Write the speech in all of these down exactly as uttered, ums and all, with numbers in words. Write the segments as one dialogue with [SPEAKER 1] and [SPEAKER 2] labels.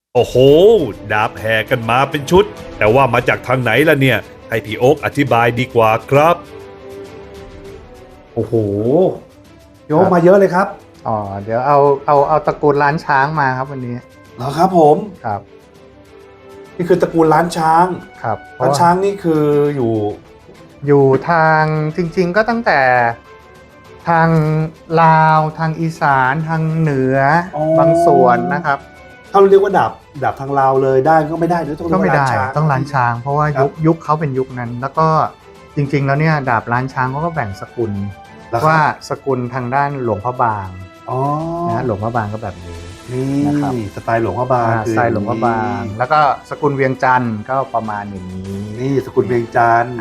[SPEAKER 1] โอ้โหดาบแห่กันมาเป็นชุดแต่ว่ามาจากทางไหนล่ะเนี่ยให้พี่โอ๊คอธิบายดีกว่าครับ
[SPEAKER 2] โอ้โหโยกมาเยอะเลยครับ
[SPEAKER 3] อ๋อเดี๋ยวเอาเอาเอาตระกูลล้านช้างมาครับวันนี้
[SPEAKER 2] เหรอครับผม
[SPEAKER 3] ครับ
[SPEAKER 2] นี่คือตระกูลล้านช้าง
[SPEAKER 3] ครับ
[SPEAKER 2] ล้านช้างนี่คืออยู่
[SPEAKER 3] อยู่ทางจริงๆก็ตั้งแต่ทางลาวทางอีสานทางเหนือบางส่วนนะครับ
[SPEAKER 2] ถ้าเราเรียกว่าดาบดาบทางลาวเลยได้ก็ไม่ได้หรือต้อง
[SPEAKER 3] ก็ไม่ได้ต้องล้านช้างเพราะว่ายุคยุคเขาเป็นยุคนั้นแล้วก็จริงๆแล้วเนี่ยดาบล้านช้างเขาก็แบ่งสกุลว่าสกุลทางด้านหลวงพระบางนะหลวงพระบางก็แบบนี้
[SPEAKER 2] นี่นะครับสไตล์หลวงพระบาง
[SPEAKER 3] สไตล์หลวงพระบางแล้วก็สกุลเวียงจันทร์ก็ประมาณอย่างนี้
[SPEAKER 2] นี่สกุลเวียงจันทร์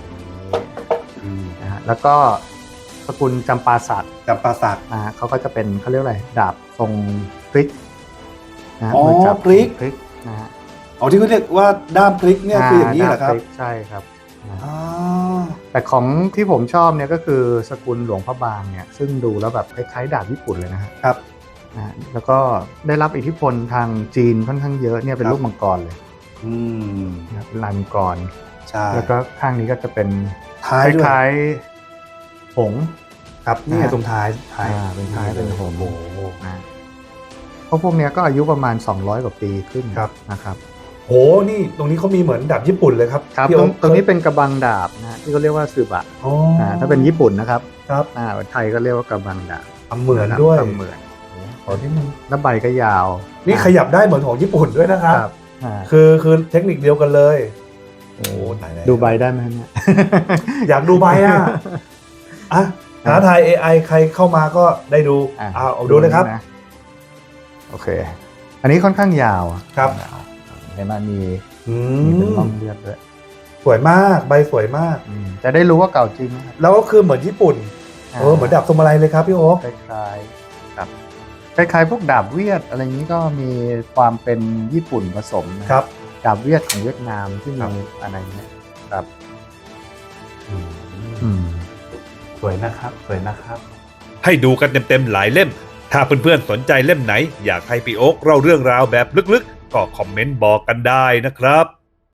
[SPEAKER 3] นะฮะแล้วก็สกุลจำปาสัก
[SPEAKER 2] จำปาสัก
[SPEAKER 3] นะฮะเขาก็จะเป็นเขาเรียกอะไรดาบทรงพลิก
[SPEAKER 2] นะอ๋อพลิก
[SPEAKER 3] พลิกนะฮะ
[SPEAKER 2] อ๋อที่เขาเรียกว่าด้ามพลิกเนี่ยคืออย่างนี้เหรอครับ
[SPEAKER 3] ใช่ครับแต่ของที่ผมชอบเนี่ยก็คือสกุลหลวงพระบางเนี่ยซึ่งดูแล้วแบบคล้ายๆดาบญี่ปุ่นเลยนะครับนะแล้วก็ได้รับอิทธิพลทางจีนค่อนข้างเยอะเนี่ยเป็นรูปมังกรเลย
[SPEAKER 2] อืม
[SPEAKER 3] นะเป็นลายมังกร
[SPEAKER 2] ใช่
[SPEAKER 3] แล้วก็ข้างนี้ก็จะเป็น
[SPEAKER 2] ท้าย
[SPEAKER 3] คล้ายๆหง
[SPEAKER 2] ครับนี่ตรงท้าย
[SPEAKER 3] ท้ายเป็นท้ายเป็นหงนะเพราะพวกเนี้ยก็อายุประมาณสองร้อยกว่าปีขึ้นนะครับ
[SPEAKER 2] โหนี่ตรงนี้เขามีเหมือนดาบญี่ปุ่นเลยครับ
[SPEAKER 3] ครับตรงตรงนี้เป็นกระบังดาบนะที่เขาเรียกว่าสืบะถ้าเป็นญี่ปุ่นนะครับ
[SPEAKER 2] ครับ
[SPEAKER 3] อ่าไทยก็เรียกว่ากระบังดาบ
[SPEAKER 2] ทำเหมือนด้วย
[SPEAKER 3] ทำเหมือนอ๋อที่มันแล้วใบก็ยาว
[SPEAKER 2] นี่ขยับได้เหมือนของญี่ปุ่นด้วยนะครับคือคือเทคนิคเดียวกันเลย
[SPEAKER 3] โอ้ดูใบได้ไหมเนี่ย
[SPEAKER 2] อยากดูใบอ่ะอ่ะหาไทย เอ ไอ ใครเข้ามาก็ได้ดูเอาเอาดูเลยครับ
[SPEAKER 3] โอเคอันนี้ค่อนข้างยาว
[SPEAKER 2] ครับ
[SPEAKER 3] เห็นไหมมีมีเป็นร่องเลือดด้วย
[SPEAKER 2] สวยมากใบสวยมาก
[SPEAKER 3] จะได้รู้ว่าเก่าจริงนะครับ
[SPEAKER 2] แล้วก็คือเหมือนญี่ปุ่นเออเหมือนดาบทรงอะไรเลยครับพี่โอ๊ค
[SPEAKER 3] คล้ายๆครับคล้ายๆพวกดาบเวียดอะไรอย่างนี้ก็มีความเป็นญี่ปุ่นผสม
[SPEAKER 2] นะครับ
[SPEAKER 3] ดาบเวียดของเวียดนามที่มีอะไรเงี้ยครับ
[SPEAKER 2] สวยนะครับสวยนะครับ
[SPEAKER 1] ให้ดูกันเต็มๆหลายเล่มถ้าเพื่อนๆสนใจเล่มไหนอยากให้พี่โอ๊คเล่าเรื่องราวแบบลึกๆก็คอมเมนต์บอกกันได้นะครับ